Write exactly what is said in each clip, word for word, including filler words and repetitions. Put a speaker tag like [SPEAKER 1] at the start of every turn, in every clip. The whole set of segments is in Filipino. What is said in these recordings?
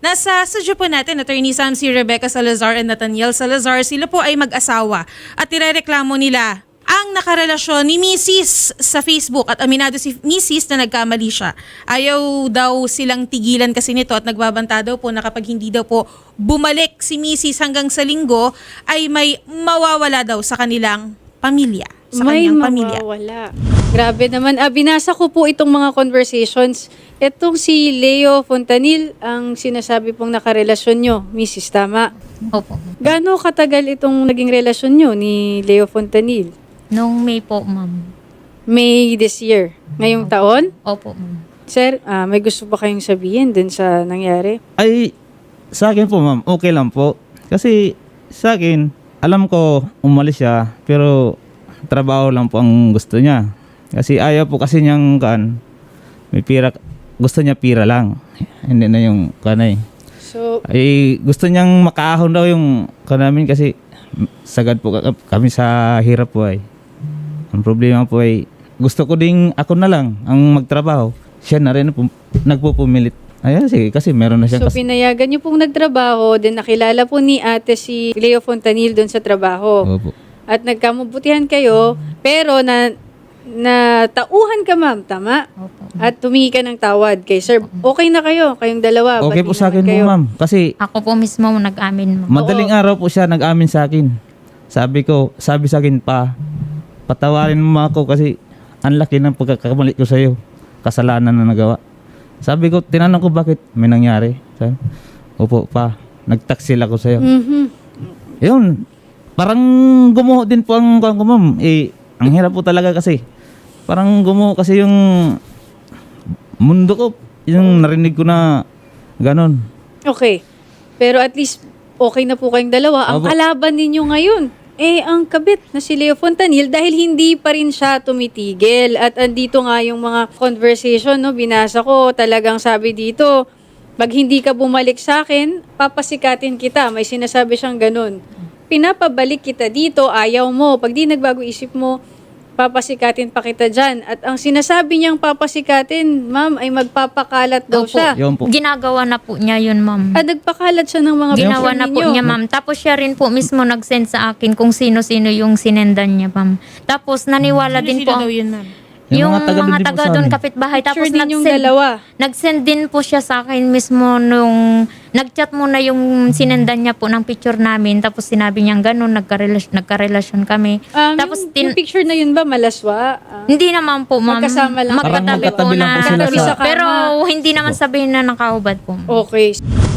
[SPEAKER 1] Nasa studio po natin, Attorney Sam, si Rebecca Salazar and Nathaniel Salazar. Sila po ay mag-asawa at irereklamo nila ang nakarelasyon ni Missus sa Facebook at aminado si Missus na nagkamali siya. Ayaw daw silang tigilan kasi nito at nagbabanta daw po na kapag hindi daw po bumalik si Missus hanggang sa linggo ay may mawawala daw sa kanilang pamilya. Sa
[SPEAKER 2] May
[SPEAKER 1] kanyang pamilya.
[SPEAKER 2] mawawala. Grabe naman. Ah, binasa ko po itong mga conversations. Itong si Leo Fontanil, ang sinasabi pong nakarelasyon nyo, Missus Tama.
[SPEAKER 3] Opo.
[SPEAKER 2] Gaano katagal itong naging relasyon nyo ni Leo Fontanil?
[SPEAKER 3] Noong May po, ma'am.
[SPEAKER 2] May this year. Ngayong taon?
[SPEAKER 3] Opo, ma'am.
[SPEAKER 2] Sir, ah, may gusto pa kayong sabihin dun sa nangyari?
[SPEAKER 4] Ay, sa akin po ma'am, okay lang po. Kasi sa akin, alam ko umalis siya, pero trabaho lang po ang gusto niya. Kasi ayaw po kasi niyang kan, may pira, gusto niya pira lang. Hindi na yung kanay.
[SPEAKER 2] So,
[SPEAKER 4] Ay, gusto niyang makaahon daw yung kanamin kasi sagad po ka- kami sa hirap po ay. Ang problema po ay, gusto ko ding ako na lang ang magtrabaho. Siya na rin po, nagpupumilit. Ayan, sige, kasi meron na siyang
[SPEAKER 2] so pinayagan nyo pong nagtrabaho, then nakilala po ni ate si Leo Fontanil dun sa trabaho.
[SPEAKER 4] Opo.
[SPEAKER 2] At nagkamabutihan kayo, pero na na tauhan ka, ma'am, tama?
[SPEAKER 3] Opo.
[SPEAKER 2] At tumingi ka ng tawad kay sir. Okay na kayo, kayong dalawa.
[SPEAKER 4] Okay
[SPEAKER 2] Ba't
[SPEAKER 4] po
[SPEAKER 2] di
[SPEAKER 4] sa akin
[SPEAKER 2] naman
[SPEAKER 4] po
[SPEAKER 2] kayo?
[SPEAKER 4] ma'am. Kasi
[SPEAKER 3] Ako po mismo nag-amin, ma'am.
[SPEAKER 4] madaling araw po siya nag-amin sa akin. Sabi ko, sabi sa akin pa, patawarin mo ako kasi ang laki ng pagkakamali ko sa'yo. Kasalanan na nagawa. Sabi ko, tinanong ko bakit may nangyari. Sabi, opo pa, nag-taksil ako sa'yo.
[SPEAKER 2] Mhm.
[SPEAKER 4] Yun, parang gumuho din po ang kuwan ko ma'am. Eh, ang hirap po talaga kasi. Parang gumuho kasi yung mundo ko. Yung narinig ko na ganon.
[SPEAKER 2] Okay. Pero at least okay na po kayong dalawa. Ang
[SPEAKER 4] Opo.
[SPEAKER 2] kalaban ninyo ngayon, eh ang kabit na si Leo Fontanil dahil hindi pa rin siya tumitigil. At andito nga yung mga conversation, no, binasa ko, talagang sabi dito, pag hindi ka bumalik sa akin, papasikatin kita. May sinasabi siyang ganun. Pinapabalik kita dito, ayaw mo. Pag di nagbago isip mo, papasikatin pa kita dyan. At ang sinasabi niyang papasikatin, ma'am, ay magpapakalat daw
[SPEAKER 3] Opo.
[SPEAKER 2] siya.
[SPEAKER 4] Yun po.
[SPEAKER 3] Ginagawa na po niya yun, ma'am.
[SPEAKER 2] Ah, nagpakalat siya ng mga
[SPEAKER 3] Ginawa
[SPEAKER 2] picture
[SPEAKER 3] na po
[SPEAKER 2] ninyo.
[SPEAKER 3] niya, ma'am. Tapos siya rin po mismo nag-send sa akin kung sino-sino yung sinendan niya, ma'am. Tapos naniwala din
[SPEAKER 1] Sino
[SPEAKER 3] po
[SPEAKER 1] daw
[SPEAKER 3] ang-
[SPEAKER 1] yun, ma'am?
[SPEAKER 4] Yung
[SPEAKER 3] yung
[SPEAKER 4] mga taga
[SPEAKER 3] mga
[SPEAKER 4] din po
[SPEAKER 3] taga
[SPEAKER 4] sa
[SPEAKER 3] doon
[SPEAKER 4] amin.
[SPEAKER 3] kapitbahay. Tapos
[SPEAKER 2] Picture ninyong
[SPEAKER 3] nag-send,
[SPEAKER 2] dalawa.
[SPEAKER 3] nag-send din po siya sa akin mismo nung nag-chat muna yung sinendan niya po ng picture namin. Tapos sinabi niyang ganun, nagkarelasyon, nagkarelasyon kami.
[SPEAKER 2] Um,
[SPEAKER 3] Tapos
[SPEAKER 2] yung,
[SPEAKER 3] tin-
[SPEAKER 2] yung picture na yun ba, malaswa? Ah,
[SPEAKER 3] Hindi naman po, ma'am.
[SPEAKER 2] Magkasama lang.
[SPEAKER 4] Parang
[SPEAKER 3] Magkatabi po
[SPEAKER 4] magkatabi lang
[SPEAKER 3] na.
[SPEAKER 4] po sila
[SPEAKER 2] sa- kama.
[SPEAKER 3] Pero hindi naman sabihin na nakahubad po.
[SPEAKER 2] okay.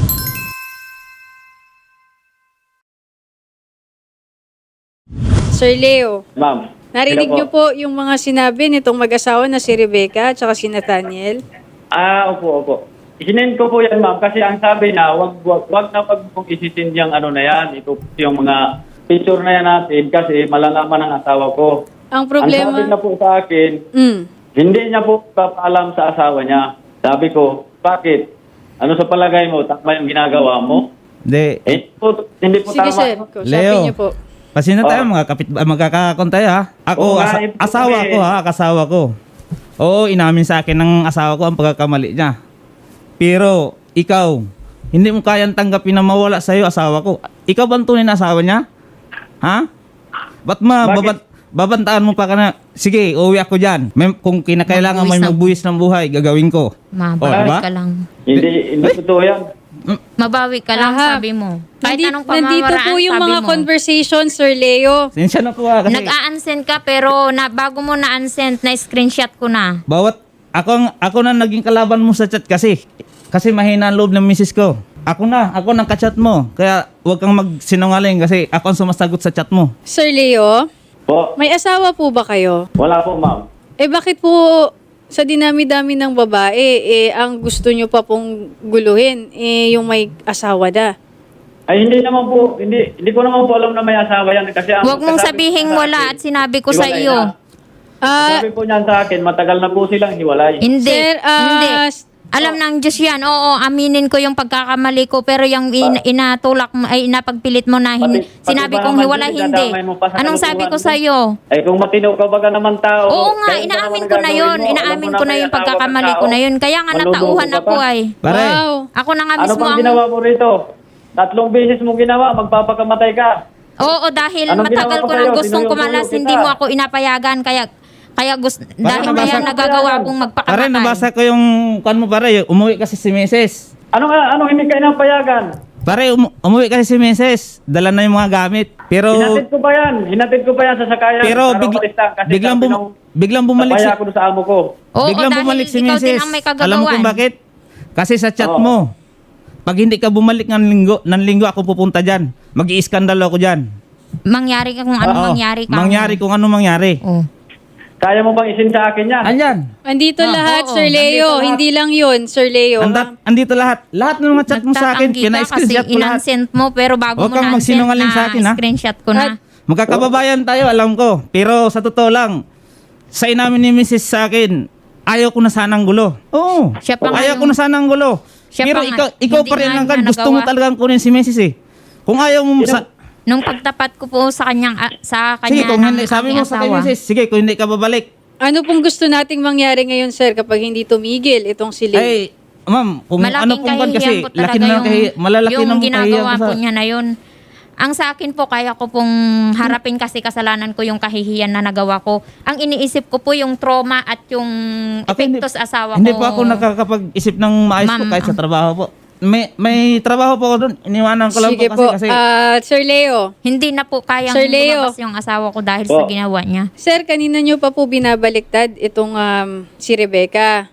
[SPEAKER 2] Sir Leo,
[SPEAKER 5] Ma'am.
[SPEAKER 2] narinig
[SPEAKER 5] Hello
[SPEAKER 2] niyo po yung mga sinabi nitong mag-asawa na si Rebecca at saka si Nathaniel?
[SPEAKER 5] Ah, opo, opo. Isinend ko po yan, ma'am, kasi ang sabi na, wag, wag, wag na pag mong isisend yung ano na yan, ito yung mga picture na yan natin kasi malalaman ng asawa ko.
[SPEAKER 2] Ang
[SPEAKER 5] Ang
[SPEAKER 2] problema...
[SPEAKER 5] sabi na po sa akin,
[SPEAKER 2] Mm.
[SPEAKER 5] hindi niya po papaalam sa asawa niya. Sabi ko, bakit? Ano sa palagay mo? Tama yung ginagawa mo?
[SPEAKER 4] Hindi,
[SPEAKER 5] Eh, po, hindi po
[SPEAKER 2] Sige
[SPEAKER 5] tama.
[SPEAKER 2] sir, sabi
[SPEAKER 4] Leo.
[SPEAKER 2] niyo po.
[SPEAKER 4] kasi na tayo,
[SPEAKER 5] Oh.
[SPEAKER 4] mga kapit, ah, magkakakon tayo ha. Ako,
[SPEAKER 5] Oo nga,
[SPEAKER 4] asa-
[SPEAKER 5] eh,
[SPEAKER 4] asawa
[SPEAKER 5] kami.
[SPEAKER 4] ko ha, kasawa ko. Oo, inamin sa akin ng asawa ko ang pagkakamali niya. Pero, ikaw, hindi mo kayang tanggapin na mawala sa'yo asawa ko. Ikaw ba ang tunay na asawa niya? Ha? Ba't ma,
[SPEAKER 5] Bakit?
[SPEAKER 4] babat, babantaan mo pa ka na, sige, uwi ako dyan. May, kung kinakailangan may
[SPEAKER 3] Magbuwis ng-
[SPEAKER 4] magbuwis ng buhay, gagawin ko.
[SPEAKER 3] Mabawi
[SPEAKER 4] diba?
[SPEAKER 3] ka lang.
[SPEAKER 5] Hindi, hindi totoo yan.
[SPEAKER 3] Mabawi ka lang,
[SPEAKER 2] Aha.
[SPEAKER 3] sabi mo. Kahit
[SPEAKER 2] Nandi-
[SPEAKER 3] anong
[SPEAKER 2] nandito
[SPEAKER 3] pamamaraan,
[SPEAKER 2] po yung
[SPEAKER 3] sabi
[SPEAKER 2] mga
[SPEAKER 3] mo.
[SPEAKER 2] conversation, Sir Leo.
[SPEAKER 4] Sinsya na po ha, kasi
[SPEAKER 3] Nag-a-unsend ka pero na, bago mo na-unsend, na-screenshot ko na.
[SPEAKER 4] bawat, ako, ang- ako na naging kalaban mo sa chat kasi. Kasi mahina ang loob ng misis ko. Ako na, ako nang kachat mo. Kaya huwag kang magsinungaling kasi ako ang sumasagot sa chat mo.
[SPEAKER 2] Sir Leo,
[SPEAKER 5] Po,
[SPEAKER 2] may asawa po ba kayo?
[SPEAKER 5] wala po, ma'am.
[SPEAKER 2] Eh bakit po sa dinami-dami ng babae, eh ang gusto nyo pa pong guluhin, eh yung may asawa na?
[SPEAKER 5] Ay, hindi naman po, hindi, hindi ko naman po alam na may asawa yan. Kasi ang
[SPEAKER 3] Huwag mong
[SPEAKER 5] kasabi
[SPEAKER 3] sabihing
[SPEAKER 5] po sa
[SPEAKER 3] wala
[SPEAKER 5] akin,
[SPEAKER 3] at sinabi ko sa
[SPEAKER 5] hiwalay
[SPEAKER 3] iyo.
[SPEAKER 5] na.
[SPEAKER 2] Ah,
[SPEAKER 5] Sabi po niyan sa akin, matagal na po silang hiwalay.
[SPEAKER 3] Hindi.
[SPEAKER 2] Sir, ah,
[SPEAKER 3] hindi.
[SPEAKER 2] s-
[SPEAKER 3] Alam ng Diyos yan. Oo, aminin ko yung pagkakamali ko. Pero yung in, inatulak mo, ay inapagpilit mo na hin,
[SPEAKER 5] Pati- pati
[SPEAKER 3] sinabi
[SPEAKER 5] ba
[SPEAKER 3] kong
[SPEAKER 5] naman
[SPEAKER 3] hiwalay,
[SPEAKER 5] din,
[SPEAKER 3] hindi.
[SPEAKER 5] dadamay mo pa sa
[SPEAKER 3] Anong sabi ko
[SPEAKER 5] kalukuhan mo?
[SPEAKER 3] sa'yo?
[SPEAKER 5] Eh kung matino ka baga naman tao.
[SPEAKER 3] Oo nga,
[SPEAKER 5] kaya
[SPEAKER 3] inaamin
[SPEAKER 5] naman
[SPEAKER 3] ko na
[SPEAKER 5] gagawin
[SPEAKER 3] yun.
[SPEAKER 5] mo. Alam
[SPEAKER 3] Inaamin
[SPEAKER 5] mo
[SPEAKER 3] ko na
[SPEAKER 5] may
[SPEAKER 3] yung
[SPEAKER 5] asawa
[SPEAKER 3] pagkakamali
[SPEAKER 5] kang
[SPEAKER 3] ko na
[SPEAKER 5] tao.
[SPEAKER 3] yun. Kaya nga
[SPEAKER 5] Manluloko
[SPEAKER 3] natauhan
[SPEAKER 5] ka
[SPEAKER 3] ako
[SPEAKER 5] pa.
[SPEAKER 3] ay.
[SPEAKER 4] Pare,
[SPEAKER 2] Wow.
[SPEAKER 3] Ako na nga
[SPEAKER 5] Ano
[SPEAKER 3] mismo
[SPEAKER 5] bang
[SPEAKER 3] ang...
[SPEAKER 5] ginawa mo rito? Tatlong beses mo ginawa, magpapakamatay ka.
[SPEAKER 3] Oo, dahil
[SPEAKER 5] Anong
[SPEAKER 3] matagal
[SPEAKER 5] ginawa ko
[SPEAKER 3] ko nang
[SPEAKER 5] sa'yo?
[SPEAKER 3] gustong
[SPEAKER 5] Tinuyo-tuyo
[SPEAKER 3] kumalas,
[SPEAKER 5] kita.
[SPEAKER 3] hindi mo ako inapayagan. Kaya, kaya gusto, dahil
[SPEAKER 4] nabasa-
[SPEAKER 3] kaya nagagawa kong
[SPEAKER 4] pare,
[SPEAKER 3] magpakamatay.
[SPEAKER 4] nabasa ko yung kan mo pare, umuwi kasi si Meses.
[SPEAKER 5] Ano nga, ano hindi ka inapayagan?
[SPEAKER 4] Pare, um, umuwi kasi si Meses. Dala na yung mga gamit. Pero
[SPEAKER 5] Hinatid ko pa yan. Hinatid ko pa yan sa sakayan.
[SPEAKER 4] pero
[SPEAKER 5] para
[SPEAKER 4] big,
[SPEAKER 5] umalis na. Kasi
[SPEAKER 4] biglang
[SPEAKER 5] sabi
[SPEAKER 4] bum,
[SPEAKER 5] nung
[SPEAKER 4] biglang bumalik si
[SPEAKER 5] napaya ako doon sa amo ko.
[SPEAKER 3] Oo,
[SPEAKER 4] biglang
[SPEAKER 3] dahil
[SPEAKER 4] bumalik si
[SPEAKER 3] ikaw din
[SPEAKER 4] Meses.
[SPEAKER 3] ang may
[SPEAKER 4] Alam mo kung
[SPEAKER 3] kagagawan.
[SPEAKER 4] bakit? Kasi sa chat
[SPEAKER 5] Oo.
[SPEAKER 4] mo, pag hindi ka bumalik ng linggo, ng linggo ako pupunta diyan. Mag-iiskandalo ako diyan.
[SPEAKER 3] Mangyari ka kung ano
[SPEAKER 4] Oo.
[SPEAKER 3] mangyari ka.
[SPEAKER 4] Mangyari kung ano mangyari.
[SPEAKER 3] Oh.
[SPEAKER 5] Kaya mo bang isin sa akin yan?
[SPEAKER 4] Andyan.
[SPEAKER 2] Andito
[SPEAKER 4] Ah,
[SPEAKER 2] lahat,
[SPEAKER 3] oo,
[SPEAKER 2] Sir Leo.
[SPEAKER 5] nandito lahat.
[SPEAKER 2] Hindi lang yun, Sir Leo.
[SPEAKER 4] Andat, andito lahat. Lahat ng mga chat mo sa akin,
[SPEAKER 3] Nagtatanggi ka kasi
[SPEAKER 4] pina-screenshot ko lahat.
[SPEAKER 3] inansent mo pero bago
[SPEAKER 4] Huwag
[SPEAKER 3] mo
[SPEAKER 4] kang
[SPEAKER 3] na-unsent
[SPEAKER 4] magsinungaling
[SPEAKER 3] na
[SPEAKER 4] sa akin, ha?
[SPEAKER 3] screenshot ko na.
[SPEAKER 2] At-
[SPEAKER 4] Magkakababayan tayo, alam ko. Pero sa totoo lang, sa inamin ni Missus sa akin, ayaw ko na sanang gulo. Oo.
[SPEAKER 3] Siya pa nga
[SPEAKER 4] ayaw
[SPEAKER 3] yung-
[SPEAKER 4] ko na sanang gulo.
[SPEAKER 3] Siya
[SPEAKER 4] Pero
[SPEAKER 3] pa nga,
[SPEAKER 4] ikaw, ikaw
[SPEAKER 3] hindi
[SPEAKER 4] pa rin
[SPEAKER 3] nga
[SPEAKER 4] lang kan.
[SPEAKER 3] niya
[SPEAKER 4] Gusto mo
[SPEAKER 3] nagawa.
[SPEAKER 4] talagang kunin si Missus eh. Kung ayaw mo sa...
[SPEAKER 3] Nung pagtapat ko po sa kanyang ah, sa kanya
[SPEAKER 4] Sige, kung
[SPEAKER 3] ng
[SPEAKER 4] hindi, sabi
[SPEAKER 3] aking
[SPEAKER 4] mo sa kay
[SPEAKER 3] asawa.
[SPEAKER 4] Missus, sige, kung hindi ka babalik.
[SPEAKER 2] Ano pong gusto nating mangyari ngayon, Sir, kapag hindi tumigil itong si Leo?
[SPEAKER 4] Ay, ma'am, kung ano
[SPEAKER 3] Malaking
[SPEAKER 4] pong kan kasi,
[SPEAKER 3] kahihiyan po
[SPEAKER 4] laki
[SPEAKER 3] talaga
[SPEAKER 4] na
[SPEAKER 3] yung,
[SPEAKER 4] kahi, malalaki
[SPEAKER 3] yung
[SPEAKER 4] na mong
[SPEAKER 3] ginagawa
[SPEAKER 4] kahihiyan
[SPEAKER 3] po
[SPEAKER 4] ko sa...
[SPEAKER 3] niya na yun. Ang sa akin po, kaya ko pong harapin kasi kasalanan ko yung kahihiyan na nagawa ko. Ang iniisip ko po yung trauma at yung
[SPEAKER 4] Ako, hindi-
[SPEAKER 3] epekto sa asawa
[SPEAKER 4] Hindi
[SPEAKER 3] ko.
[SPEAKER 4] po ako nakakapag-isip ng maayos po
[SPEAKER 3] Ma'am,
[SPEAKER 4] kahit sa
[SPEAKER 3] ah.
[SPEAKER 4] trabaho po. May may trabaho po ako doon. Iniwanan ko lang
[SPEAKER 2] Sige
[SPEAKER 4] po
[SPEAKER 2] po.
[SPEAKER 4] kasi kasi
[SPEAKER 2] Ah, Sir Leo.
[SPEAKER 3] Hindi na po kayang
[SPEAKER 2] Sir Leo.
[SPEAKER 3] lumabas yung asawa ko dahil
[SPEAKER 5] Po.
[SPEAKER 3] sa ginawa niya.
[SPEAKER 2] Sir, kanina nyo pa po binabaliktad itong um, si Rebecca.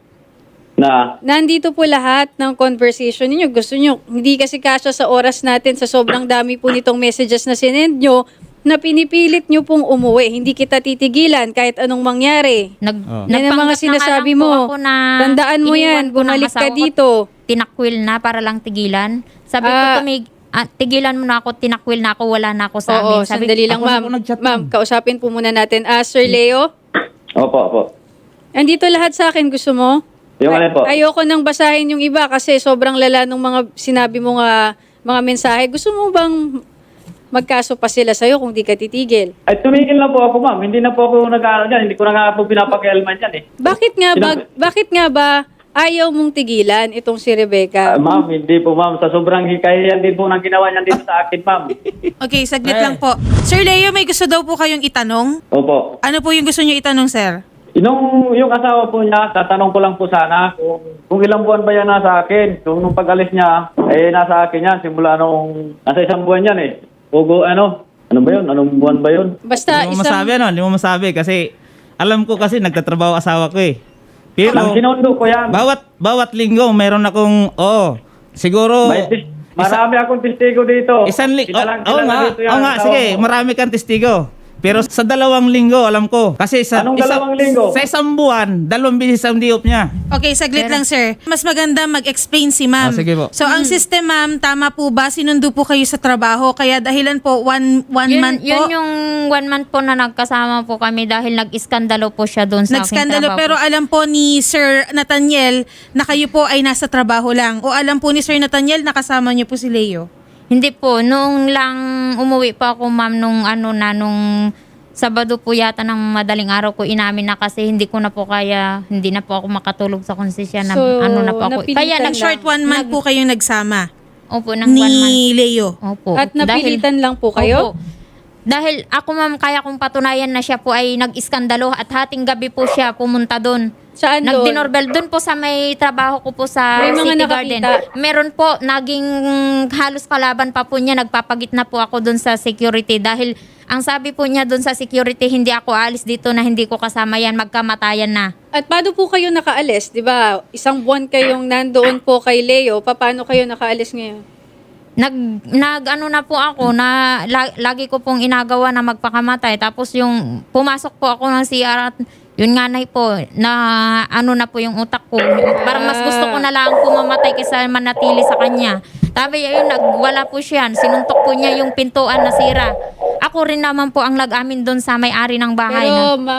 [SPEAKER 5] Na,
[SPEAKER 2] Nandito po lahat ng conversation ninyo. Gusto nyo, hindi kasi kasya sa oras natin sa sobrang dami po nitong messages na sinend nyo na pinipilit nyo pong umuwi. Hindi kita titigilan kahit anong mangyari.
[SPEAKER 3] Nag,
[SPEAKER 4] Oh.
[SPEAKER 2] Yan ang mga
[SPEAKER 3] nagpanggap na nga
[SPEAKER 2] sinasabi
[SPEAKER 3] lang po
[SPEAKER 2] mo.
[SPEAKER 3] ako na
[SPEAKER 2] Tandaan mo
[SPEAKER 3] iniwan
[SPEAKER 2] yan.
[SPEAKER 3] ko ng
[SPEAKER 2] Bumalik ka
[SPEAKER 3] asawa ko,
[SPEAKER 2] dito.
[SPEAKER 3] Tinakwil na para lang tigilan. Sabi ko,
[SPEAKER 2] Ah.
[SPEAKER 3] tumig, ah, tigilan mo na ako, tinakwil na ako, wala na ako sa
[SPEAKER 2] Oo,
[SPEAKER 3] amin. Sabi
[SPEAKER 2] sandali lang,
[SPEAKER 4] ako na
[SPEAKER 2] ma'am.
[SPEAKER 4] po nag-chat,
[SPEAKER 2] Ma'am,
[SPEAKER 4] ma'am.
[SPEAKER 2] kausapin po muna natin. Ah, Sir Leo,
[SPEAKER 5] opo, opo.
[SPEAKER 2] andito lahat sa akin. Gusto mo?
[SPEAKER 5] Yung ano po?
[SPEAKER 2] Ay- ayoko nang basahin yung iba kasi sobrang lala ng mga sinabi mo nga mga mensahe. Gusto mo bang magkaso pa sila sa'yo kung di ka titigil?
[SPEAKER 5] Ay, tumigil na po ako, ma'am. Hindi na po ako nag-ano dyan. Hindi ko na nga po pinapakialman yan eh.
[SPEAKER 2] Bakit nga ba,
[SPEAKER 5] Sinabi-
[SPEAKER 2] bakit nga ba ayaw mong tigilan itong si
[SPEAKER 5] Ah,
[SPEAKER 2] Rebecca?
[SPEAKER 5] ma'am, hindi po, ma'am. Sa sobrang hikayan din po ng ginawa niyan dito sa akin, ma'am.
[SPEAKER 1] Okay, saglit
[SPEAKER 4] Eh.
[SPEAKER 1] lang po. Sir Leo, may gusto daw po kayong itanong?
[SPEAKER 5] Opo.
[SPEAKER 1] Ano po yung gusto niyo itanong, sir?
[SPEAKER 5] Nung yung asawa po niya, tatanong ko lang po sana kung, kung ilang buwan ba yan nasa akin. Kung nung pag-alis niya, eh nasa akin yan. Simula nung nasa isang buwan yan eh. Ugo, ano? Ano ba yun? Anong buwan ba yun?
[SPEAKER 2] Basta
[SPEAKER 4] hindi mo
[SPEAKER 2] isang...
[SPEAKER 4] masabi ano, hindi mo masabi kasi alam ko kasi nagtatrabaho asawa ko eh. Pero
[SPEAKER 5] Nang sinundo ko yan.
[SPEAKER 4] bawat bawat linggo meron akong oh, siguro
[SPEAKER 5] May tis- marami akong testigo dito.
[SPEAKER 4] isang linggo.
[SPEAKER 5] Kilalang-
[SPEAKER 4] Oo
[SPEAKER 5] kilala
[SPEAKER 4] nga,
[SPEAKER 5] dito yan,
[SPEAKER 4] oo nga,
[SPEAKER 5] asawa
[SPEAKER 4] sige,
[SPEAKER 5] ko.
[SPEAKER 4] marami kang testigo. Pero sa dalawang linggo, alam ko. Kasi sa,
[SPEAKER 5] Anong dalawang linggo?
[SPEAKER 4] Sa isang buwan, dalawang bisis ang diop niya.
[SPEAKER 1] Okay, saglit lang, sir. Mas maganda mag-explain si ma'am.
[SPEAKER 4] Ah, sige po.
[SPEAKER 1] So, ang system, ma'am, tama po ba? Sinundo po kayo sa trabaho. Kaya dahilan po, one, one
[SPEAKER 3] Yun,
[SPEAKER 1] month
[SPEAKER 3] yun
[SPEAKER 1] po.
[SPEAKER 3] yung one month po na nagkasama po kami dahil nag-iskandalo po siya doon sa aking
[SPEAKER 1] Nagskandalo,
[SPEAKER 3] trabaho.
[SPEAKER 1] pero alam po ni Sir Nathaniel na kayo po ay nasa trabaho lang. O alam po ni Sir Nathaniel na kasama niyo po si Leo.
[SPEAKER 3] Hindi po, nung lang umuwi pa ako ma'am nung ano na nung Sabado po yata ng madaling araw ko inamin na kasi hindi ko na po kaya, hindi na po ako makatulog sa konsesya na
[SPEAKER 2] So,
[SPEAKER 3] ano na po ako.
[SPEAKER 2] napilitan
[SPEAKER 3] Kaya
[SPEAKER 1] Nag
[SPEAKER 3] nag
[SPEAKER 1] short one month po kayong nagsama
[SPEAKER 3] Opo, ng one month.
[SPEAKER 1] ni Leo.
[SPEAKER 3] Opo.
[SPEAKER 2] At napilitan lang po kayo?
[SPEAKER 3] Opo. Dahil ako ma'am, kaya kong patunayan na siya po ay nag-iskandalo at hating gabi po siya pumunta doon.
[SPEAKER 2] Saan doon?
[SPEAKER 3] Nag-dinorbell doon po sa may trabaho ko po sa
[SPEAKER 2] May mga
[SPEAKER 3] City
[SPEAKER 2] nakakita.
[SPEAKER 3] Garden. Meron po, naging halos kalaban pa po niya. Nagpapagitna po ako doon sa security dahil ang sabi po niya doon sa security, hindi ako alis dito na hindi ko kasama yan, magkamatayan na.
[SPEAKER 2] At paano po kayo nakaalis? Di ba? Isang buwan kayong nandoon po kay Leo. Paano kayo nakaalis ngayon?
[SPEAKER 3] Nag, nag ano na po ako na la- lagi ko pong inagawa na magpakamatay. Tapos yung pumasok po ako ng C R at yun nga na po na ano na po yung utak ko. Parang mas gusto ko na lang pumamatay kaysa manatili sa kanya. Sabi yun, nagwala po siya. Sinuntok po niya yung pintuan na sira. Ako rin naman po ang nag-amin doon sa may-ari ng bahay
[SPEAKER 2] Pero
[SPEAKER 3] na.
[SPEAKER 2] ma'am,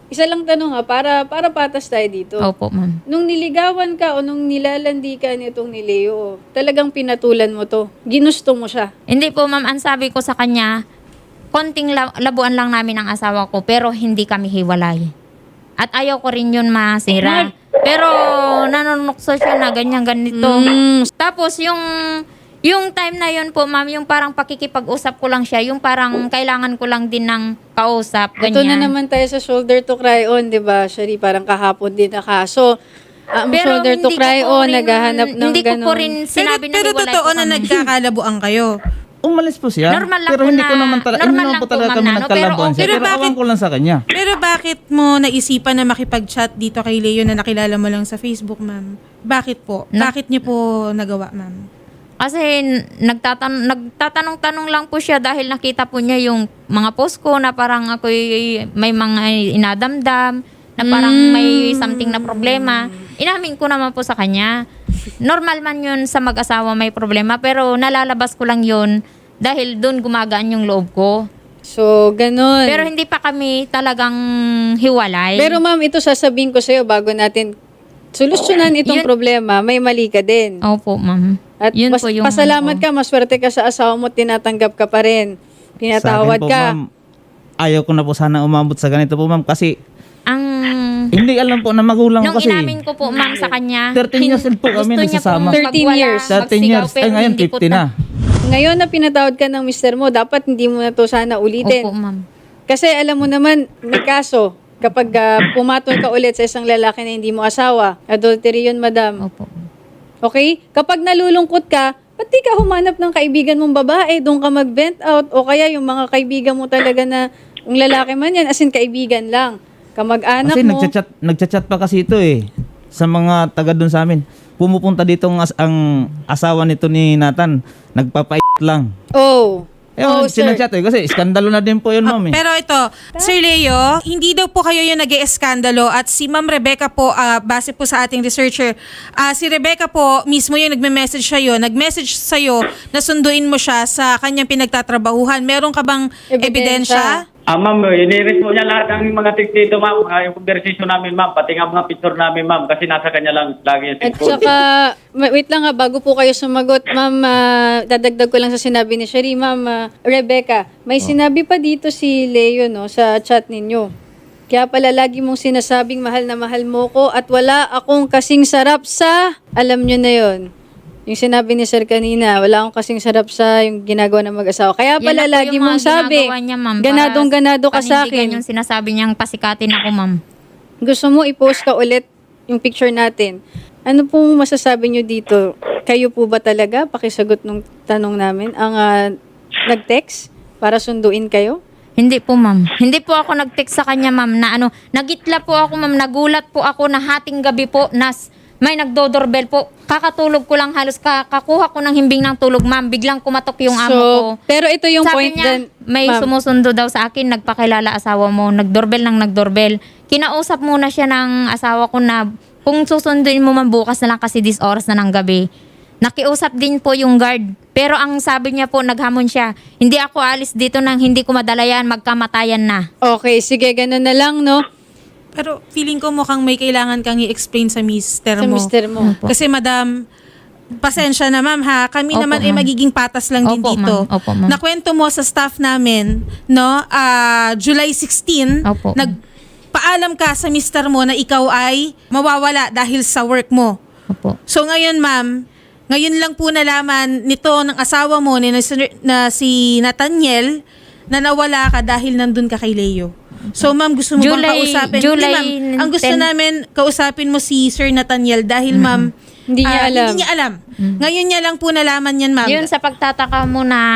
[SPEAKER 2] isa lang tanong ha, para, para patas tayo dito.
[SPEAKER 3] Opo, ma'am.
[SPEAKER 2] Nung niligawan ka o nung nilalandi ka nitong ni Leo, talagang pinatulan mo to. Ginusto mo siya.
[SPEAKER 3] Hindi po, ma'am. Ang sabi ko sa kanya, konting la- labuan lang namin ang asawa ko, pero hindi kami hiwalay. At ayaw ko rin yun masira. Pero nanunukso siya na ganyan ganito.
[SPEAKER 2] Mm.
[SPEAKER 3] Tapos yung yung time na yun po, ma'am, yung parang pakikipag-usap ko lang siya, yung parang kailangan ko lang din ng kausap,
[SPEAKER 2] Ito na
[SPEAKER 3] ganyan.
[SPEAKER 2] naman tayo sa shoulder to cry on, di ba? Shari, parang kahapon din na kaso. Ang
[SPEAKER 3] Pero
[SPEAKER 2] shoulder to
[SPEAKER 3] hindi ko
[SPEAKER 2] cry
[SPEAKER 3] po
[SPEAKER 2] on,
[SPEAKER 3] rin-
[SPEAKER 2] naghahanap ng
[SPEAKER 3] Hindi ko
[SPEAKER 2] ganun.
[SPEAKER 3] po rin
[SPEAKER 1] Pero,
[SPEAKER 3] sinabi na
[SPEAKER 1] pero
[SPEAKER 3] hiwalay
[SPEAKER 1] totoo
[SPEAKER 3] po
[SPEAKER 1] na
[SPEAKER 3] kami.
[SPEAKER 1] nagkakalabuan kayo.
[SPEAKER 4] Umalis po siya.
[SPEAKER 3] Normal lang
[SPEAKER 4] pero
[SPEAKER 3] po
[SPEAKER 4] hindi
[SPEAKER 3] na-
[SPEAKER 4] ko naman talaga,
[SPEAKER 3] normal
[SPEAKER 4] hindi naman
[SPEAKER 3] lang
[SPEAKER 4] po
[SPEAKER 3] po,
[SPEAKER 4] talaga
[SPEAKER 3] ma'am,
[SPEAKER 4] kami
[SPEAKER 3] na, no?
[SPEAKER 4] nagkalabuan
[SPEAKER 3] Pero
[SPEAKER 4] siya.
[SPEAKER 1] okay-
[SPEAKER 4] Pero
[SPEAKER 1] Pero
[SPEAKER 4] awan
[SPEAKER 1] bakit-
[SPEAKER 4] ko lang sa kanya.
[SPEAKER 1] Pero bakit mo naisipan na makipag-chat dito kay Leo na nakilala mo lang sa Facebook, ma'am? Bakit po?
[SPEAKER 3] Na-
[SPEAKER 1] Bakit niyo po nagawa, ma'am?
[SPEAKER 3] Kasi nagtatan nagtatanong-tanong lang po siya dahil nakita po niya yung mga post ko na parang ako may mga inadamdam, na parang may something na problema. Inamin ko naman po sa kanya. Normal man yun sa mag-asawa may problema, pero nalalabas ko lang yun dahil doon gumagaan yung loob ko.
[SPEAKER 2] So, ganun.
[SPEAKER 3] Pero hindi pa kami talagang hiwalay.
[SPEAKER 2] Pero ma'am, ito sasabihin ko sa'yo bago natin solusyonan itong
[SPEAKER 3] Yun-
[SPEAKER 2] problema, may mali ka din.
[SPEAKER 3] Opo, ma'am.
[SPEAKER 2] At
[SPEAKER 3] Yun
[SPEAKER 2] pas-
[SPEAKER 3] po yung
[SPEAKER 2] pasalamat
[SPEAKER 3] ano
[SPEAKER 2] ka, maswerte ka sa asawa mo, tinatanggap ka pa rin. Pinatawad
[SPEAKER 4] Sa akin po,
[SPEAKER 2] ka.
[SPEAKER 4] ma'am, ayaw ko na po sana umabot sa ganito po, ma'am. Kasi
[SPEAKER 3] Ang
[SPEAKER 4] hindi alam po na magulang
[SPEAKER 3] nung
[SPEAKER 4] ko kasi.
[SPEAKER 3] inamin ko po, ma'am, sa kanya,
[SPEAKER 4] thirteen years old po kami
[SPEAKER 3] gusto niya
[SPEAKER 4] nagsasama.
[SPEAKER 3] pong
[SPEAKER 2] thirteen
[SPEAKER 3] magwala,
[SPEAKER 2] years.
[SPEAKER 4] thirteen
[SPEAKER 3] magsigaw,
[SPEAKER 4] years.
[SPEAKER 3] pero
[SPEAKER 4] Eh ngayon,
[SPEAKER 3] hindi po
[SPEAKER 4] fifty na.
[SPEAKER 2] Ngayon na pinatawad ka ng mister mo, dapat hindi mo na to sana ulitin.
[SPEAKER 3] Opo, ma'am.
[SPEAKER 2] Kasi alam mo naman, may kaso. Kapag ah, pumatol ka ulit sa isang lalaki na hindi mo asawa, adultery yun, madam.
[SPEAKER 3] Opo.
[SPEAKER 2] Okay? Kapag nalulungkot ka, ba't di ka humanap ng kaibigan mong babae? Doon ka mag-vent out. O kaya yung mga kaibigan mo talaga na, yung lalaki man yan, as in kaibigan lang. Kamag-anak
[SPEAKER 4] Kasi
[SPEAKER 2] mo.
[SPEAKER 4] nagchat-chat, nagchat-chat pa kasi ito eh. Sa mga taga doon sa amin. Pumupunta dito ang, as- ang asawa nito ni Nathan. Nagpapait lang.
[SPEAKER 2] Oh.
[SPEAKER 4] Eh,
[SPEAKER 2] Oh, sir.
[SPEAKER 4] sinachat eh. Kasi iskandalo na din po yun, ma'am eh.
[SPEAKER 1] Pero ito, Sir Leo, hindi daw po kayo yung nag eskandalo at si Ma'am Rebecca po, ah, base po sa ating researcher, ah, si Rebecca po mismo yung nagme-message sa'yo, nag-message sa'yo na sunduin mo siya sa kanyang pinagtatrabahuhan. Meron ka bang
[SPEAKER 2] Ebidensya?
[SPEAKER 1] ebidensya?
[SPEAKER 5] Ah, ma'am, iniris po niya lahat ng mga tips dito, ma'am. Mga yung conversation namin, ma'am. Pati nga mga picture namin, ma'am. Kasi nasa kanya lang lagi yung
[SPEAKER 2] At
[SPEAKER 5] cellphone.
[SPEAKER 2] saka, ma- wait lang ha, bago po kayo sumagot, ma'am, ah, dadagdag ko lang sa sinabi ni Sherry, ma'am, ah, Rebecca, may sinabi pa dito si Leo, no, sa chat ninyo. Kaya pala lagi mong sinasabing mahal na mahal mo ko at wala akong kasing sarap sa, alam nyo na yon. Yung sinabi ni Sir kanina, wala akong kasing sarap sa yung ginagawa ng mag-asawa. Kaya
[SPEAKER 3] Yan
[SPEAKER 2] pala
[SPEAKER 3] na po
[SPEAKER 2] lagi
[SPEAKER 3] yung
[SPEAKER 2] mong
[SPEAKER 3] mga
[SPEAKER 2] sabi,
[SPEAKER 3] ginagawa niya, ma'am, para
[SPEAKER 2] ganadong-ganado ka sa
[SPEAKER 3] panindigan
[SPEAKER 2] akin.
[SPEAKER 3] yung sinasabi niyang pasikatin ako, ma'am.
[SPEAKER 2] Gusto mo i-post ka ulit yung picture natin. Ano pong masasabi nyo dito? Kayo po ba talaga, pakisagot nung tanong namin, ang ah, nag-text para sunduin kayo?
[SPEAKER 3] Hindi po, ma'am. Hindi po ako nag-text sa kanya, ma'am, na ano, nagitla po ako, ma'am, nagulat po ako na hating gabi po, nas may nagdo-doorbell po. Kakatulog ko lang halos, kakakuha ko ng himbing ng tulog, ma'am. Biglang kumatok yung amo ko.
[SPEAKER 2] Pero ito yung
[SPEAKER 3] Sabi
[SPEAKER 2] point
[SPEAKER 3] niya,
[SPEAKER 2] din,
[SPEAKER 3] may
[SPEAKER 2] ma'am.
[SPEAKER 3] sumusundo daw sa akin, nagpakilala asawa mo, nagdoorbell ng nagdoorbell. Kinausap muna siya ng asawa ko na kung susunduin mo man bukas na lang kasi this oras na ng gabi. Nakiusap din po yung guard. Pero ang sabi niya po, naghamon siya, hindi ako alis dito nang hindi ko madala yan, magkamatayan na.
[SPEAKER 2] Okay, sige, ganun na lang, no?
[SPEAKER 1] Pero feeling ko mukhang may kailangan kang i-explain sa mister
[SPEAKER 2] Sa
[SPEAKER 1] mo.
[SPEAKER 2] mister mo.
[SPEAKER 3] Opo.
[SPEAKER 1] Kasi madam, pasensya na ma'am ha, kami
[SPEAKER 3] Opo,
[SPEAKER 1] naman ay
[SPEAKER 3] ma'am.
[SPEAKER 1] magiging patas lang din
[SPEAKER 3] Opo,
[SPEAKER 1] dito.
[SPEAKER 3] ma'am. Opo, ma'am.
[SPEAKER 1] Nakwento mo sa staff namin, no, ah, July sixteenth,
[SPEAKER 3] Opo.
[SPEAKER 1] nagpaalam ka sa mister mo na ikaw ay mawawala dahil sa work mo.
[SPEAKER 3] Opo.
[SPEAKER 1] So ngayon ma'am, ngayon lang po nalaman nito ng asawa mo ni na, na si Nathaniel na nawala ka dahil nandun ka kay Leo. So ma'am, gusto mo bang
[SPEAKER 3] July-
[SPEAKER 1] kausapin?
[SPEAKER 3] July
[SPEAKER 1] Hindi, ma'am. Ang gusto
[SPEAKER 3] ten.
[SPEAKER 1] namin, kausapin mo si Sir Nathaniel dahil ma'am,
[SPEAKER 2] Hindi niya
[SPEAKER 1] ah,
[SPEAKER 2] alam.
[SPEAKER 1] Hindi niya alam. Ngayon niya lang po nalaman yan ma'am.
[SPEAKER 3] Yun sa pagtataka mo na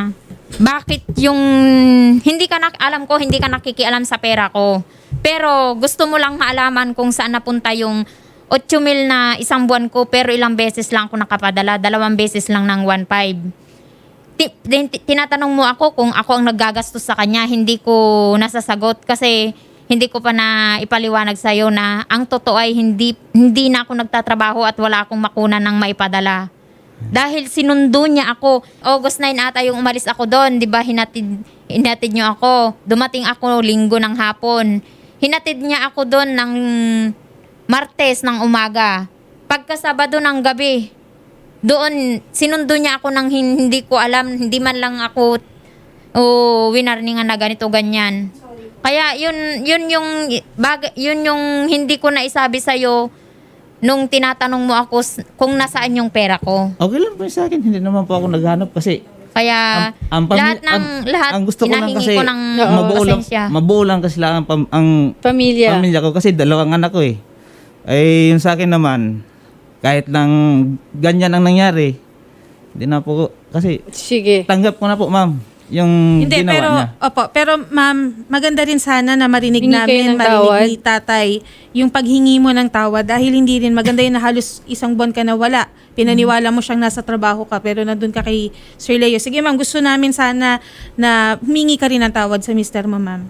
[SPEAKER 3] bakit yung hindi ka nak alam ko hindi ka nakikialam sa pera ko. Pero gusto mo lang maalaman kung saan napunta yung eight mil na isang buwan ko pero ilang beses lang ako nakapadala, dalawang beses lang ng one five. Ti- tin- tinatanong mo ako kung ako ang naggagastos sa kanya, hindi ko nasasagot kasi hindi ko pa na ipaliwanag sa iyo na ang totoo ay hindi hindi na ako nagtatrabaho at wala akong makunan ng maipadala. Dahil sinundo niya ako. August nine ata yung umalis ako doon, 'di ba? Hinatid hinatid niyo ako. Dumating ako linggo ng hapon. hinatid niya ako doon ng Martes ng umaga. Pagka Sabado ng gabi, doon sinundo niya ako ng hindi ko alam, hindi man lang ako o winarningan na ganito ganyan. Kaya yun yun yung bag, yun yung hindi ko na isabi sa iyo nung tinatanong mo ako s- kung nasaan yung pera ko.
[SPEAKER 4] Okay lang po sa akin. Hindi naman po ako naghanap kasi
[SPEAKER 3] Kaya
[SPEAKER 4] ang, ang pami-
[SPEAKER 3] lahat ng
[SPEAKER 4] ang-
[SPEAKER 3] lahat
[SPEAKER 4] ang gusto ko lang
[SPEAKER 3] hinahingi
[SPEAKER 4] kasi
[SPEAKER 3] ko ng
[SPEAKER 4] mabuo lang,
[SPEAKER 3] pasensya.
[SPEAKER 4] mabuo lang kasi lang ang, pam- ang
[SPEAKER 2] Pamilya.
[SPEAKER 4] pamilya ko kasi dalawang anak ko eh. Ay yung sa akin naman, kahit lang ganyan ang nangyari, hindi na po, kasi
[SPEAKER 2] Sige.
[SPEAKER 4] tanggap ko na po ma'am, yung
[SPEAKER 1] Hindi,
[SPEAKER 4] ginawa
[SPEAKER 1] pero,
[SPEAKER 4] niya.
[SPEAKER 1] opo, pero ma'am, maganda rin sana na marinig
[SPEAKER 2] Hingi kayo
[SPEAKER 1] namin,
[SPEAKER 2] ng
[SPEAKER 1] marinig
[SPEAKER 2] tawad?
[SPEAKER 1] ni tatay, yung paghingi mo ng tawad dahil hindi rin maganda yun na halos isang buwan ka na wala. Pinaniwala mo siyang nasa trabaho ka pero nandun ka kay Sir Leo. Sige ma'am, gusto namin sana na humingi ka rin ng tawad sa mister mo ma'am.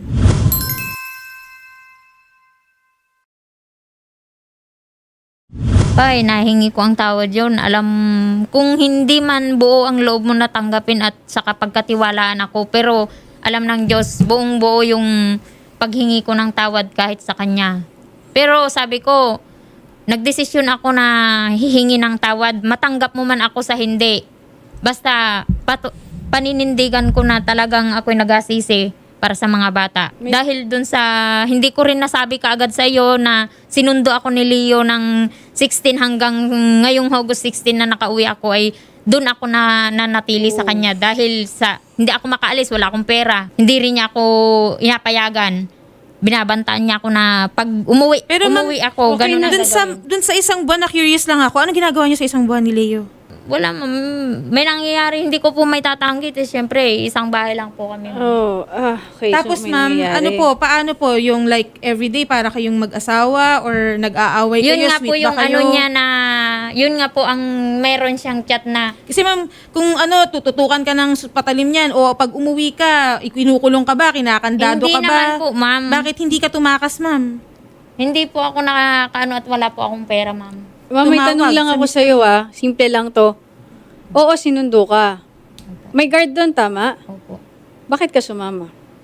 [SPEAKER 3] Ay, nahingi ko ang tawad yun. Alam, kung hindi man buo ang loob mo na tanggapin at saka pagkatiwalaan ako, pero alam ng Diyos, buong buo yung paghingi ko ng tawad kahit sa Kanya. Pero sabi ko, nagdesisyon ako na hihingi ng tawad. Matanggap mo man ako sa hindi. Basta, patu- paninindigan ko na talagang ako'y nagasisi para sa mga bata.
[SPEAKER 2] May-
[SPEAKER 3] Dahil dun sa, hindi ko rin nasabi kaagad sa iyo na sinundo ako ni Leo ng sixteen hanggang ngayong August sixteen na nakauwi ako ay dun ako na nanatili sa kanya dahil sa hindi ako makaalis, wala akong pera. Hindi rin niya ako inapayagan. Binabantaan niya ako na pag umuwi,
[SPEAKER 1] Pero ma'am,
[SPEAKER 3] umuwi ako,
[SPEAKER 2] okay
[SPEAKER 3] ganun
[SPEAKER 2] na
[SPEAKER 3] na
[SPEAKER 1] Dun sa,
[SPEAKER 3] gagawin.
[SPEAKER 1] dun sa isang buwan na curious lang ako, ano ginagawa niyo sa isang buwan ni Leo?
[SPEAKER 3] Wala, ma'am. May nangyayari, hindi ko po may tatanggit. Eh, siyempre, isang bahay lang po kami.
[SPEAKER 2] Oh, ah, okay.
[SPEAKER 1] Tapos
[SPEAKER 2] so may
[SPEAKER 1] ma'am,
[SPEAKER 2] nangyayari.
[SPEAKER 1] ano po, paano po yung like everyday para kayong mag-asawa or nag-aaway
[SPEAKER 3] Yun
[SPEAKER 1] kayo,
[SPEAKER 3] nga po
[SPEAKER 1] sweet
[SPEAKER 3] yung
[SPEAKER 1] ba kayo?
[SPEAKER 3] ano niya na, yun nga po ang meron siyang chat na,
[SPEAKER 1] Kasi ma'am, kung ano, tututukan ka ng patalim niyan o pag umuwi ka, ikinukulong ka ba, kinakandado
[SPEAKER 3] hindi
[SPEAKER 1] ka ba?
[SPEAKER 3] naman po, ma'am.
[SPEAKER 1] Bakit hindi ka tumakas, ma'am?
[SPEAKER 3] Hindi po ako nakakaano at wala po akong pera, ma'am.
[SPEAKER 2] Ma'am, may
[SPEAKER 1] Tumawag
[SPEAKER 2] tanong lang
[SPEAKER 1] sa
[SPEAKER 2] ako sa iyo ah. Simple lang to. Oo, sinundo ka. May guard doon, tama?
[SPEAKER 3] Opo.
[SPEAKER 2] Bakit ka sumama?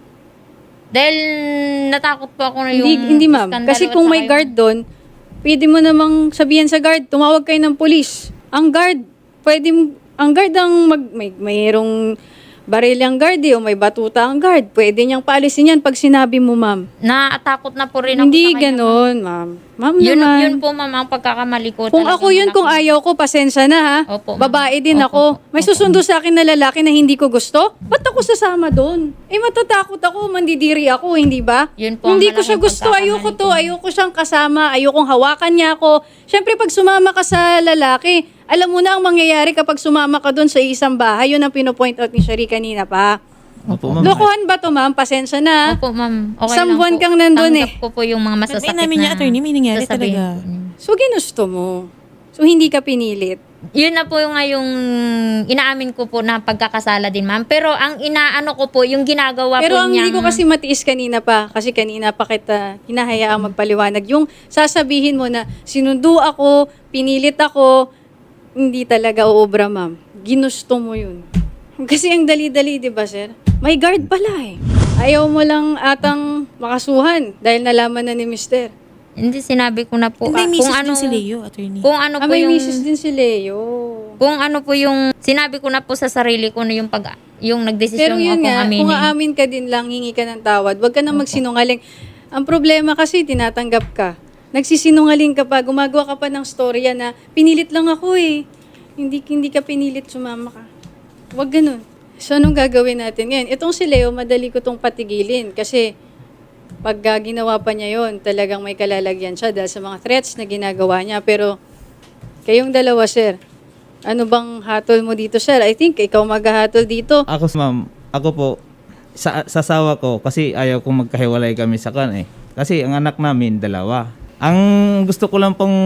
[SPEAKER 3] Dahil natakot po ako na yung
[SPEAKER 2] Hindi, hindi ma'am.
[SPEAKER 3] iskandalo
[SPEAKER 2] Kasi
[SPEAKER 3] at
[SPEAKER 2] kung
[SPEAKER 3] saka
[SPEAKER 2] may
[SPEAKER 3] yung-
[SPEAKER 2] guard doon, pwede mo namang sabihin sa guard, tumawag kayo ng pulis. Ang guard, pwede mo, ang guard ang mag, may, mayroong baril ang guard eh, o may batuta ang guard. Pwede niyang paalisin yan pag sinabi mo, ma'am.
[SPEAKER 3] Naatakot na po rin ako
[SPEAKER 2] Hindi
[SPEAKER 3] sa kanya,
[SPEAKER 2] ganon, ma'am. Ma'am
[SPEAKER 3] ma'am. Yun,
[SPEAKER 2] naman.
[SPEAKER 3] yun po, ma'am, ang pagkakamali ko.
[SPEAKER 2] Kung
[SPEAKER 3] Talagang
[SPEAKER 2] ako yun, kung
[SPEAKER 3] malaki.
[SPEAKER 2] ayaw ko, pasensya na ha.
[SPEAKER 3] Opo, ma'am.
[SPEAKER 2] Babae din
[SPEAKER 3] Opo,
[SPEAKER 2] ako.
[SPEAKER 3] opo,
[SPEAKER 2] May
[SPEAKER 3] opo.
[SPEAKER 2] susundo sa akin na lalaki na hindi ko gusto? Ba't ako sasama doon? Eh matatakot ako, mandidiri ako, hindi ba?
[SPEAKER 3] Yun po ang
[SPEAKER 2] Hindi ko siya
[SPEAKER 3] malaking
[SPEAKER 2] gusto, ayoko
[SPEAKER 3] pagkakamali
[SPEAKER 2] to,
[SPEAKER 3] ko.
[SPEAKER 2] ayoko siyang kasama, ayokong hawakan niya ako. Siyempre pag sumama ka sa lalaki, alam mo na ang mangyayari kapag sumama ka doon sa isang bahay. Yun ang pinopoint out ni Shari kanina pa.
[SPEAKER 4] Opo, ma'am.
[SPEAKER 2] Lokohan ba to, ma'am? Pasensya na.
[SPEAKER 3] Opo, ma'am. Okay
[SPEAKER 2] Isang
[SPEAKER 3] lang
[SPEAKER 2] buwan
[SPEAKER 3] po.
[SPEAKER 2] kang nandun eh.
[SPEAKER 3] Tanggap ko po yung mga masasakit
[SPEAKER 1] Sabihin namin niya,
[SPEAKER 3] na
[SPEAKER 1] attorney, may nangyari
[SPEAKER 3] sasabihin
[SPEAKER 1] talaga.
[SPEAKER 3] po niya.
[SPEAKER 2] So ginusto mo. So hindi ka pinilit.
[SPEAKER 3] Yun na po yung nga yung inaamin ko po na pagkakasala din, ma'am. Pero ang inaano ko po, yung ginagawa
[SPEAKER 2] Pero
[SPEAKER 3] po
[SPEAKER 2] ang
[SPEAKER 3] niyang...
[SPEAKER 2] hindi ko kasi matiis kanina pa, kasi kanina pa kita hinahayaang magpaliwanag. Yung sasabihin mo na sinundo ako, pinilit ako, hindi talaga uobra, ma'am. Ginusto mo yun. Kasi ang dali-dali, di ba, sir? May guard pala eh. Ayaw mo lang atang makasuhan dahil nalaman na ni mister.
[SPEAKER 3] Hindi, sinabi ko na po.
[SPEAKER 1] May
[SPEAKER 3] ah,
[SPEAKER 1] misis
[SPEAKER 3] kung ano,
[SPEAKER 1] din si Leo, attorney.
[SPEAKER 3] Kung ano
[SPEAKER 2] Ah,
[SPEAKER 3] po
[SPEAKER 2] may
[SPEAKER 3] yung...
[SPEAKER 2] misis din si Leo.
[SPEAKER 3] Kung ano po yung... Sinabi ko na po sa sarili ko na yung pag... Yung
[SPEAKER 2] Pero
[SPEAKER 3] nagdesisyon
[SPEAKER 2] yun
[SPEAKER 3] akong
[SPEAKER 2] nga,
[SPEAKER 3] aminin.
[SPEAKER 2] kung aamin ka din lang, hingi ka ng tawad, huwag ka nang magsinungaling. Ang problema kasi, tinatanggap ka. Nagsisinungaling ka pa, gumagawa ka pa ng storya na pinilit lang ako eh. Hindi, hindi ka pinilit, sumama ka. Huwag ganun. So, anong gagawin natin ngayon? Itong si Leo, madali ko tong patigilin kasi pag uh, ginawa pa niya yon, talagang may kalalagyan siya dahil sa mga threats na ginagawa niya. Pero, kayong dalawa, sir, ano bang hatol mo dito, sir? I think ikaw maghahatol dito.
[SPEAKER 4] Ako, ma'am, ako po, sa, sa asawa ko, kasi ayaw kong magkahiwalay kami sa kan eh. Kasi ang anak namin, dalawa. Ang gusto ko lang pong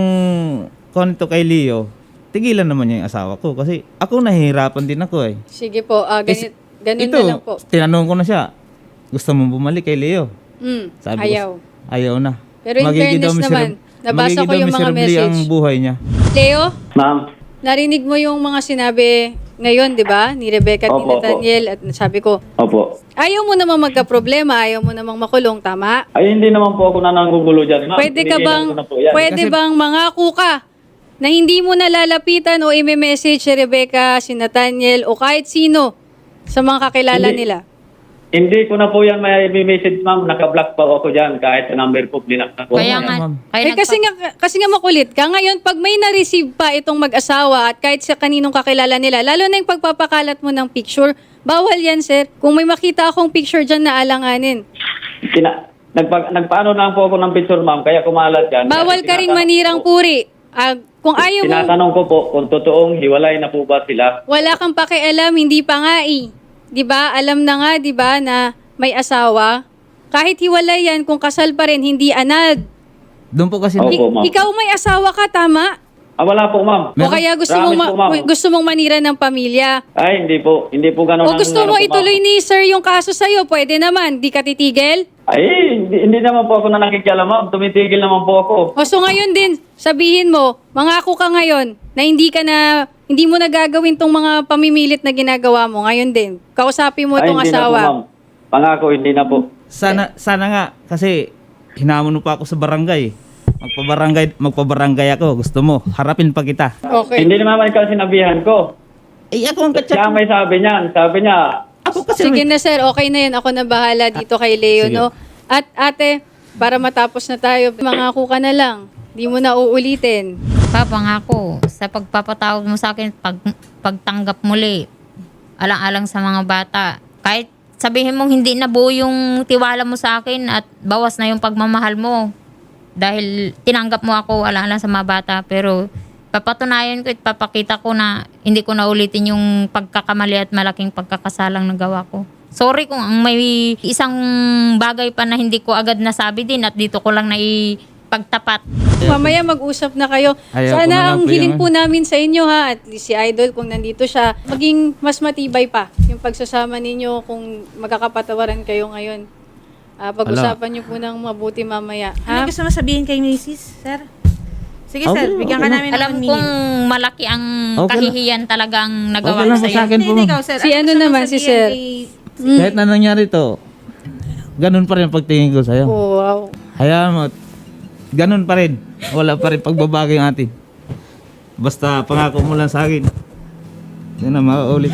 [SPEAKER 4] konto kay Leo, tigilan naman niya yung asawa ko. Kasi ako nahihirapan din ako eh.
[SPEAKER 2] Sige po, ah, ganit, ganun
[SPEAKER 4] Ito,
[SPEAKER 2] na lang po.
[SPEAKER 4] tinanong ko na siya, gusto mo bumalik kay Leo?
[SPEAKER 2] Mm,
[SPEAKER 4] Sabi
[SPEAKER 2] ayaw.
[SPEAKER 4] ko, ayaw na.
[SPEAKER 2] Pero in
[SPEAKER 4] Magiging
[SPEAKER 2] fairness
[SPEAKER 4] daw
[SPEAKER 2] naman,
[SPEAKER 4] miserab-
[SPEAKER 2] nabasa
[SPEAKER 4] magiging
[SPEAKER 2] ko
[SPEAKER 4] daw
[SPEAKER 2] yung mga
[SPEAKER 4] miserably
[SPEAKER 2] message.
[SPEAKER 4] ang buhay niya.
[SPEAKER 2] Leo,
[SPEAKER 5] Ma'am,
[SPEAKER 2] narinig mo yung mga sinabi ngayon, di ba? Ni Rebecca at ni
[SPEAKER 5] Opo, opo.
[SPEAKER 2] Nathaniel. At sabi ko,
[SPEAKER 5] Opo.
[SPEAKER 2] ayaw mo namang magka-problema, ayaw mo namang makulong, tama?
[SPEAKER 5] Ay, hindi naman po ako nananggugulo dyan, ma'am.
[SPEAKER 2] Pwede ka
[SPEAKER 5] Tinigilan
[SPEAKER 2] bang,
[SPEAKER 5] ko na po yan.
[SPEAKER 2] pwede
[SPEAKER 4] Kasi-
[SPEAKER 2] bang mangako ka na hindi mo nalalapitan o i-message si Rebecca, si Nathaniel o kahit sino sa mga kakilala
[SPEAKER 5] Hindi.
[SPEAKER 2] nila?
[SPEAKER 5] Hindi ko na po yan may message, ma'am. Naka-block pa ako dyan kahit sa number po blinak na po.
[SPEAKER 3] Kaya nga,
[SPEAKER 4] ma'am.
[SPEAKER 3] kaya
[SPEAKER 2] Eh kasi nga, kasi nga makulit ka. Ngayon, pag may na-receive pa itong mag-asawa at kahit sa kaninong kakilala nila, lalo na yung pagpapakalat mo ng picture, bawal yan, sir. Kung may makita akong picture dyan na alanganin.
[SPEAKER 5] Tina, nagpa, nagpaano lang po ako ng picture, ma'am. Kaya kumalat yan.
[SPEAKER 2] Bawal
[SPEAKER 5] Kasi
[SPEAKER 2] ka ring
[SPEAKER 5] tinatanong
[SPEAKER 2] manirang
[SPEAKER 5] ko-
[SPEAKER 2] puri. Ah, kung ayaw mo,
[SPEAKER 5] Tinatanong ko po kung totoong hiwalay na po ba sila.
[SPEAKER 2] wala kang pakialam, hindi pa nga eh. 'Di ba? Alam na nga, 'di ba, na may asawa. Kahit hiwalay yan, kung kasal pa rin, hindi anad.
[SPEAKER 4] Doon po kasi,
[SPEAKER 5] Opo,
[SPEAKER 2] I-
[SPEAKER 5] ma'am.
[SPEAKER 2] ikaw may asawa ka, tama?
[SPEAKER 5] Ah, wala po, ma'am.
[SPEAKER 2] O kaya gusto mong,
[SPEAKER 5] Promise
[SPEAKER 2] ma-
[SPEAKER 5] po, ma'am.
[SPEAKER 2] gusto mong manira ng pamilya.
[SPEAKER 5] Ay, hindi po. Hindi po ganun.
[SPEAKER 2] O
[SPEAKER 5] ang
[SPEAKER 2] gusto
[SPEAKER 5] ano
[SPEAKER 2] mo
[SPEAKER 5] po, ma'am.
[SPEAKER 2] ituloy ni sir yung kaso sa'yo, pwede naman. Di ka titigil?
[SPEAKER 5] Ay, hindi, hindi naman po ako na nakikialam, ma'am. Tumitigil naman po ako.
[SPEAKER 2] O so ngayon din, sabihin mo, mangako ka ngayon na hindi ka na, hindi mo na gagawin tong mga pamimilit na ginagawa mo. Ngayon din, kausapin mo
[SPEAKER 5] Ay,
[SPEAKER 2] itong
[SPEAKER 5] hindi na po,
[SPEAKER 2] asawa.
[SPEAKER 5] ma'am. Pangako, hindi na po.
[SPEAKER 4] sana, sana nga, kasi hinamon mo pa ako sa barangay. Magpabarangay, magpabarangay ako. Gusto mo, harapin pa kita.
[SPEAKER 2] Okay.
[SPEAKER 5] Hindi naman ikaw sinabihan ko.
[SPEAKER 4] Eh, ako ang kachat.
[SPEAKER 5] Siya may sabi niyan. Sabi niya,
[SPEAKER 4] Ako kasi,
[SPEAKER 2] Sige na sir, okay na yun. Ako na bahala dito kay Leo,
[SPEAKER 4] Sige.
[SPEAKER 2] no? At ate, para matapos na tayo, mangako ka na lang. Di mo na uulitin.
[SPEAKER 3] Papangako sa pagpapatawad mo sa akin, pag, pagtanggap muli, alang-alang sa mga bata. Kahit sabihin mong hindi na buo yung tiwala mo sa akin at bawas na yung pagmamahal mo. Dahil tinanggap mo ako alang-alang sa mga bata. Pero papatunayan ko at papakita ko na hindi ko na ulitin yung pagkakamali at malaking pagkakasalang nagawa ko. Sorry kung ang may isang bagay pa na hindi ko agad nasabi din at dito ko lang naipagtapat.
[SPEAKER 2] Mamaya mag-usap na kayo.
[SPEAKER 4] Ayaw ko na
[SPEAKER 2] Sana
[SPEAKER 4] lang
[SPEAKER 2] ang
[SPEAKER 4] po
[SPEAKER 2] hiling
[SPEAKER 4] yan.
[SPEAKER 2] po namin sa inyo ha, at least si Idol kung nandito siya, maging mas matibay pa yung pagsasama ninyo kung magkakapatawaran kayo ngayon. Ah, pag-usapan niyo po ng mabuti mamaya. Ha?
[SPEAKER 1] Ano gusto mo sabihin kay Missus, sir? Sige,
[SPEAKER 4] Okay,
[SPEAKER 1] sir. Bigyan ka
[SPEAKER 4] okay.
[SPEAKER 1] namin ng
[SPEAKER 3] Alam
[SPEAKER 1] one
[SPEAKER 3] kong
[SPEAKER 1] minute.
[SPEAKER 3] malaki ang
[SPEAKER 4] Okay lang.
[SPEAKER 3] kahihiyan talagang nagawa
[SPEAKER 4] Okay
[SPEAKER 3] ko
[SPEAKER 4] lang po
[SPEAKER 3] sa
[SPEAKER 4] sa akin
[SPEAKER 1] Hindi,
[SPEAKER 4] po,
[SPEAKER 1] hindi
[SPEAKER 4] ma'am.
[SPEAKER 1] ikaw, sir.
[SPEAKER 2] Si ano
[SPEAKER 1] gusto mong
[SPEAKER 2] naman, si
[SPEAKER 1] sabihin
[SPEAKER 2] sir?
[SPEAKER 1] kay-
[SPEAKER 4] Kahit na nangyari to, ganun pa rin ang pagtingin ko sa'yo.
[SPEAKER 2] Oh, wow.
[SPEAKER 4] Hayaan mo, ganun pa rin. Wala pa rin pagbabago yung atin. Basta pangako mo lang sa akin. Yan na, makaulit.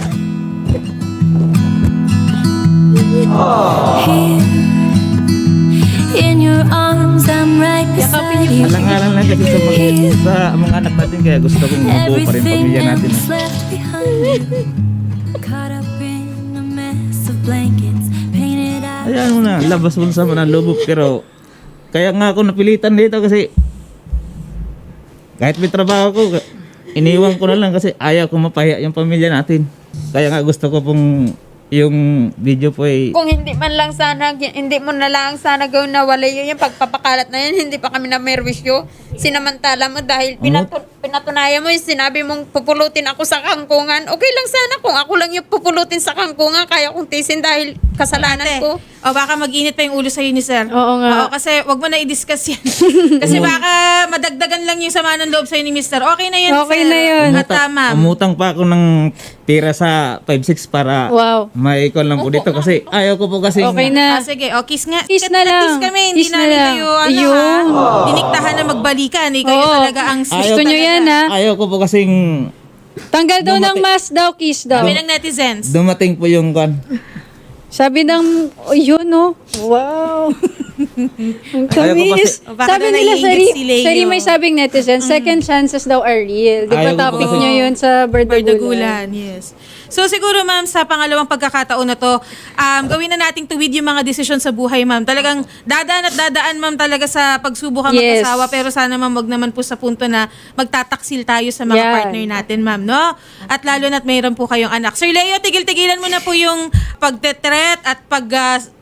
[SPEAKER 6] In your arms, I'm right beside you.
[SPEAKER 4] Alang-alang lang kasi sa mga, sa mga anak natin, kaya gusto kong mabuo pa rin
[SPEAKER 6] Everything
[SPEAKER 4] pamilya natin.
[SPEAKER 6] else left behind. Caught up in a mess of blankets, painted out.
[SPEAKER 4] Hayaan mo na, labas mo sa mga lubog. Pero, kaya nga ako napilitan dito kasi kahit may trabaho ko, iniwan ko na lang kasi ayaw ko mapahiya yung pamilya natin. Kaya nga gusto ko pong yung video po ay
[SPEAKER 7] Kung hindi man lang sana, hindi mo na lang sana gawin na wala yun, yung pagpapakalat na yun, hindi pa kami na merwisyo. Sinamantala mo dahil pinatu- pinatunayan mo yung sinabi mong pupulutin ako sa kangkungan. Okay lang sana kung ako lang yung pupulutin sa kangkungan, kaya kong tisin dahil kasalanan
[SPEAKER 1] Ate,
[SPEAKER 7] ko.
[SPEAKER 1] o baka mag-init pa yung ulo sa'yo ni sir.
[SPEAKER 2] Oo nga.
[SPEAKER 1] Oo, kasi wag mo na i-discuss yan. Kasi baka madagdagan lang yung sama ng loob sa'yo ni mister. Okay na yun,
[SPEAKER 2] Okay
[SPEAKER 1] sir.
[SPEAKER 2] na yun.
[SPEAKER 1] At tama.
[SPEAKER 4] umutang pa ako ng tira sa five six para
[SPEAKER 2] Wow.
[SPEAKER 4] maikon lang po dito kasi ayaw ko po kasi
[SPEAKER 2] Okay
[SPEAKER 1] Ah,
[SPEAKER 2] na.
[SPEAKER 1] sige, o kiss nga.
[SPEAKER 2] Kiss
[SPEAKER 1] Kat-
[SPEAKER 2] na lang.
[SPEAKER 1] Kiss kami, hindi
[SPEAKER 2] Kiss na
[SPEAKER 1] namin
[SPEAKER 2] lang.
[SPEAKER 1] kayo, ano
[SPEAKER 2] Ayun.
[SPEAKER 1] ha, diniktahan na magbalikan. Ikaw yung
[SPEAKER 2] Oo.
[SPEAKER 1] talaga ang sis
[SPEAKER 2] Gusto nyo
[SPEAKER 1] talaga.
[SPEAKER 2] yan ha?
[SPEAKER 4] ayaw ko po kasing
[SPEAKER 2] Tanggal daw ng
[SPEAKER 4] Dumati-
[SPEAKER 2] mask daw, kiss daw.
[SPEAKER 1] Kami ng netizens.
[SPEAKER 4] dumating po yung kan.
[SPEAKER 2] Sabi ng, oh, yun no. Wow. Ang
[SPEAKER 4] Ayaw ko
[SPEAKER 2] kamis.
[SPEAKER 1] kasi- O, baka
[SPEAKER 2] Sabi
[SPEAKER 1] daw
[SPEAKER 2] nila,
[SPEAKER 1] naiingit
[SPEAKER 2] sari,
[SPEAKER 1] si Leo.
[SPEAKER 2] sari may sabing netizen, second chances daw are real. Di ba
[SPEAKER 4] Ayaw ko
[SPEAKER 2] topic
[SPEAKER 4] kasi-
[SPEAKER 2] niya yun sa Berdagulan?
[SPEAKER 1] Berdagulan, yes. So siguro ma'am, sa pangalawang pagkakataon na to, um, gawin na nating tuwid yung mga desisyon sa buhay ma'am. Talagang dadaan at dadaan ma'am talaga sa pagsubok ang
[SPEAKER 2] Yes.
[SPEAKER 1] mag-asawa. Pero sana ma'am, wag naman po sa punto na magtataksil tayo sa mga
[SPEAKER 2] Yan.
[SPEAKER 1] partner natin ma'am, no? At lalo na't mayroon po kayong anak. Sir Leo, tigil-tigilan mo na po yung pagtetret at pag... ah,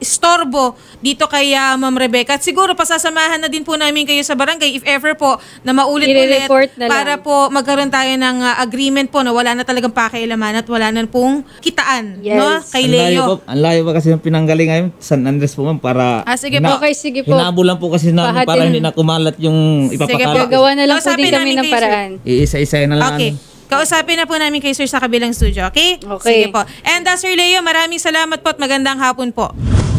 [SPEAKER 1] istorbo dito kay ah, Ma'am Rebecca. At siguro pasasamahan na din po namin kayo sa barangay if ever po na maulit-ulit
[SPEAKER 2] I-report na lang.
[SPEAKER 1] para po magkaroon tayo ng ah, agreement po na wala na talagang pakialaman at wala na pong kitaan
[SPEAKER 2] Yes.
[SPEAKER 1] no kay
[SPEAKER 4] Ang layo
[SPEAKER 1] Leo.
[SPEAKER 4] po, ang layo pa kasi ng pinanggaling ngayon, San Andres po ma'am, para
[SPEAKER 1] Ah, sige
[SPEAKER 4] hina-
[SPEAKER 1] po.
[SPEAKER 2] Okay, sige po.
[SPEAKER 4] hinabol lang po kasi na
[SPEAKER 2] Pahatin-
[SPEAKER 4] para hindi na kumalat yung
[SPEAKER 1] Sige po.
[SPEAKER 4] ipapakalat.
[SPEAKER 2] Gagawa na lang po
[SPEAKER 1] Kausapin
[SPEAKER 2] din kami
[SPEAKER 1] namin
[SPEAKER 2] ng
[SPEAKER 1] kayo, sir.
[SPEAKER 2] paraan.
[SPEAKER 4] Iisa-isa na lang.
[SPEAKER 1] Okay. Kausapin na po namin kayo sir sa kabilang studio, okay?
[SPEAKER 2] Okay.
[SPEAKER 1] Sige po. And uh, Sir Leo, maraming salamat po at magandang hapon po.